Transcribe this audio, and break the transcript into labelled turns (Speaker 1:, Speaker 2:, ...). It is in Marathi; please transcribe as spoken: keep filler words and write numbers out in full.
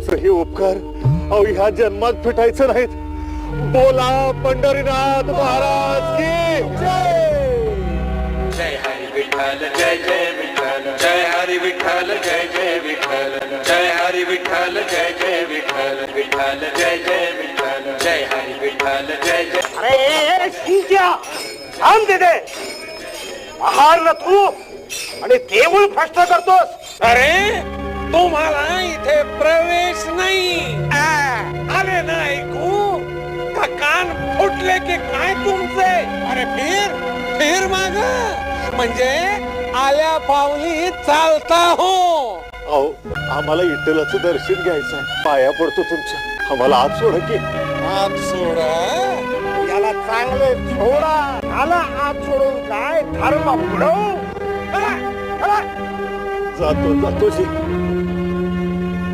Speaker 1: तुमचं हे उपकार अहो ह्या जन्मात फिटायचं नाहीत. बोला पंढरीनाथ महाराज की जय.
Speaker 2: जय हरी विठ्ठल जय जय विठ्ठल जय हरी विठ्ठल जय जय विठ्ठल जय हरी विठ्ठल जय जय विठ्ठल विठ्ठल जय जय विठ्ठल जय हरी विठ्ठल जय जय.
Speaker 3: अरे शिंक्या थांब तिथे. महार न तू आणि देऊळ भ्रष्ट करतोस.
Speaker 4: अरे तुम्हाला इथे प्रवेश नाही. आले ना ऐकू का कान फुटले की काय तुमचे. अरे फिर फिर माग म्हणजे आल्या पावली चालता हो.
Speaker 1: अहो आम्हाला विठ्ठलाचं दर्शन घ्यायचं आहे. पाया पडतो तुमच्या. आम्हाला आत सोडा की.
Speaker 4: हात सोडा.
Speaker 3: याला चांगले सोडा. आला आत सोडून काय धर्म बुडवू. चला, चला.
Speaker 1: जातो जातो जी.